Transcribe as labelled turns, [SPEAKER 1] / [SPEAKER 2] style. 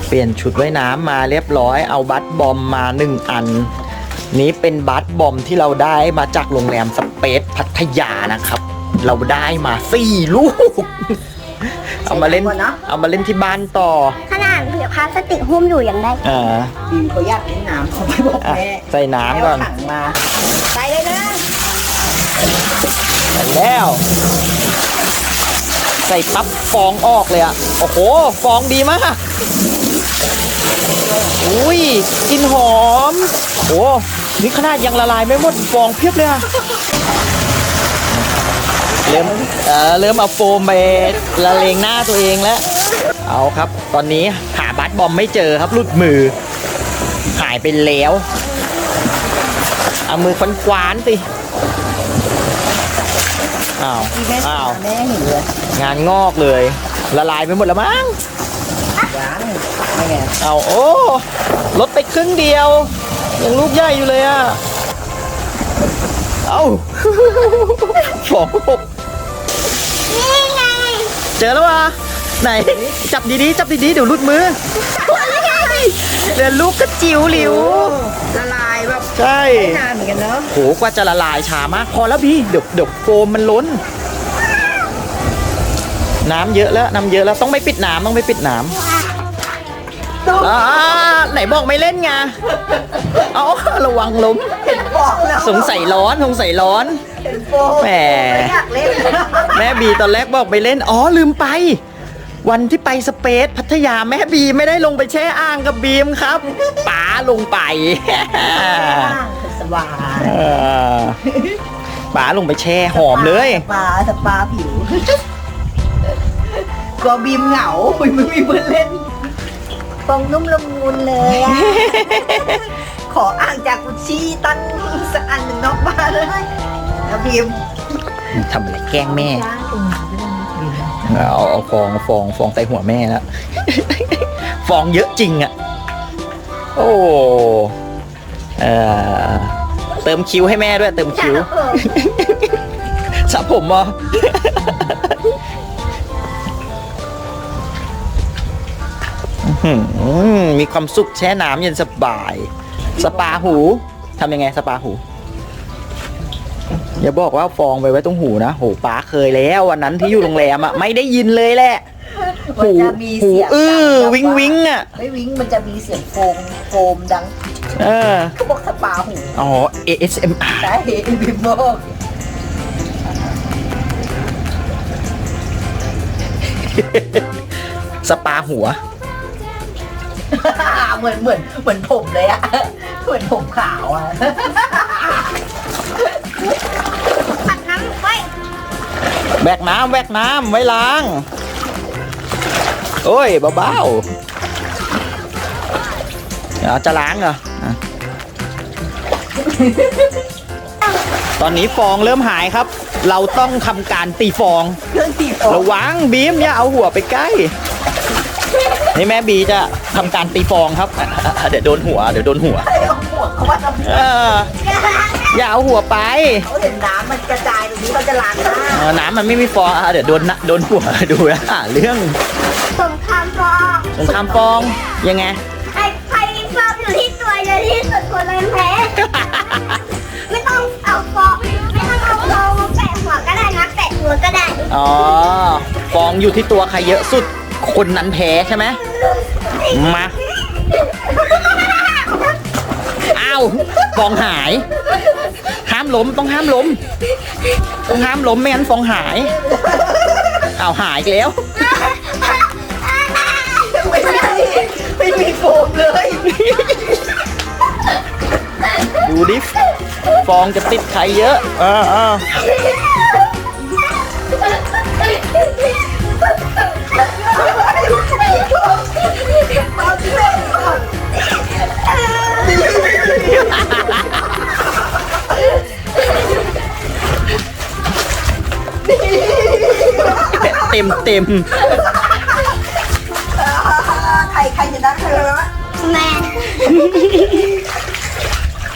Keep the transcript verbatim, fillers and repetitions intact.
[SPEAKER 1] เปลี่ยนชุดว่ายน้ำมาเรียบร้อยเอาบัสบอมมาหนึ่งอันนี้เป็นบัสบอมที่เราได้มาจากโรงแรมสเปซพัทยานะครับเราได้มาสี่ลูกเอามาเล่นเอามาเล่นที่บ้านต่อ
[SPEAKER 2] ขนาดเหลือพลาสติกหุ้มอยู่ยังได้
[SPEAKER 1] อ่า
[SPEAKER 3] ดีเขาอยากเล่นน้ำเขาไม่บอกแม่
[SPEAKER 1] ใส่น้ำก่อน
[SPEAKER 3] ถังมาใส่เลยนะ
[SPEAKER 1] ใส่แล้วใส่ปั๊บฟองออกเลยอ่ะโอ้โหฟองดีมากอุ้ยกลิ่นหอมโอ้นี่ขนาดยังละลายไม่หมดฟองเพียบเลยอะเริ่มเออเริ่มเอาโฟมไปละเลงหน้าตัวเองแล้วเอาครับตอนนี้หาบัสบอมไม่เจอครับหลุดมือหายไปแล้วเอามือคว้านๆสิอ้าวอ้าว
[SPEAKER 3] แม่เห็นเลย
[SPEAKER 1] งานงอกเลยละลายไปหมดแล้วมั้ง
[SPEAKER 3] ยังไม่ไง
[SPEAKER 1] เอาโอ้ลดไปครึ่งเดียวยังลูกใหญ่อยู่เลยอ่ะเอาฟองหก
[SPEAKER 2] นี่ไง
[SPEAKER 1] เจอแล้ววะไหนจับดีๆจับดีๆเดี๋ยวหลุดมือเดี๋ยวลูกกระจิ๋วหลิว
[SPEAKER 3] ละลายแบบ
[SPEAKER 1] ใช่
[SPEAKER 3] นานเหมือนกันเนาะ
[SPEAKER 1] โหกว่าจะละลายช้ามากพอแล้วพี่เดี๋ยวเดี๋ยวโฟมมันล้นน้ำเยอะแล้วน้ำเยอะแล้วต้องไม่ปิดน้ำต้องไม่ปิดน้ำอ่าไหนบอกไม่เล่นไงเอาระวังล้มสงสัยร้อนสงสัยร้อนแหมแม่บีตอนแรกบอกไปเล่นอ๋อลืมไปวันที่ไปสเปซพัทยาแม่บีไม่ได้ลงไปแช่อ่างกับบีมครับป๋าลงไป
[SPEAKER 3] สบาย
[SPEAKER 1] ป๋าลงไปแช่หอมเลย
[SPEAKER 3] สปาสปาผิวก็บีมเหงาไม่มีเพื่อนเล่นฟองนุ่มละมุนเลยอะขออ่างจากกุชชี่ตั้งสักอันหนึ่งนอกบ้านเลยนะบีม
[SPEAKER 1] ทำอะไรแกล้งแม่เอาเอาฟองฟองฟองใส่หัวแม่แล้วฟองเยอะจริงอ่ะโอ้เออเติมคิ้วให้แม่ด้วยเติมคิ้วสระผมอ่ะมีความสุขแช่น้ำเย็นสบายสปาหูทำยังไงสปาหูอย่าบอกว่าฟองไปไว้ตรงหูนะโหป้าเคยแล้ววันนั้นที่อยู่โรงแรมอ่ะไม่ได้ยินเลยแหละ
[SPEAKER 3] หู
[SPEAKER 1] หูอื้อวิงวิงอ่ะ
[SPEAKER 3] ไม่วิงมันจะมีเสียงโฟมโฟมดัง
[SPEAKER 1] เออ
[SPEAKER 3] เขาบอกสปาหู
[SPEAKER 1] อ๋อ เอ เอส เอ็ม อาร์
[SPEAKER 3] ใช่บิมบอก
[SPEAKER 1] สปาหัว
[SPEAKER 3] เหมือนเหมือนเหมือนผมเลยอะเหมือนผมขาวอะ
[SPEAKER 2] ปัดน้ำไว้
[SPEAKER 1] แบกน้ำแบกน้ำไว้ล้างโอ้ยเบาๆเดี๋ยวจะล้างเหรอตอนนี้ฟองเริ่มหายครับเราต้องทำการตีฟองระวังบีมอย่าเอาหัวไปใกล้นี่แม่บีจะทำการตีฟองครับเดี๋ยวโดนหัวเดี๋ยวโดนหัวอย่าเอาหัวไป
[SPEAKER 3] เขาเห็นน้ำมันกระจายตรงนี้เขาจะล้างหน้า
[SPEAKER 1] น้ำมันไม่มีฟองเดี๋ยวโดนโดนหัวดูนะเรื่อง
[SPEAKER 2] สงครามฟอง
[SPEAKER 1] สงครามฟองยังไง
[SPEAKER 2] ใครใครมีฟองอยู่ที่ตัวเยอะที่สุดคนนั้นแพ้ไม่ต้องเอาฟองไม่ต้องเอาฟองมาแปะหัวก็ได้นะแปะหัวก็ได้
[SPEAKER 1] อ๋อฟองอยู่ที่ตัวใครเยอะสุดคนนั้นแพ้ใช่ไหมมาอ้าวฟองหายห้ามล้มต้องห้ามล้มต้องห้ามล้มไม่งั้นฟองหายอ้าวหายแล้ว
[SPEAKER 3] ไม่มีไม่มีโฟมเลย
[SPEAKER 1] ดูดิฟองจะติดใครเยอะอ่าอ่าเต็มเต็ม
[SPEAKER 3] ใครใครจะได้ใครวะ
[SPEAKER 2] แม่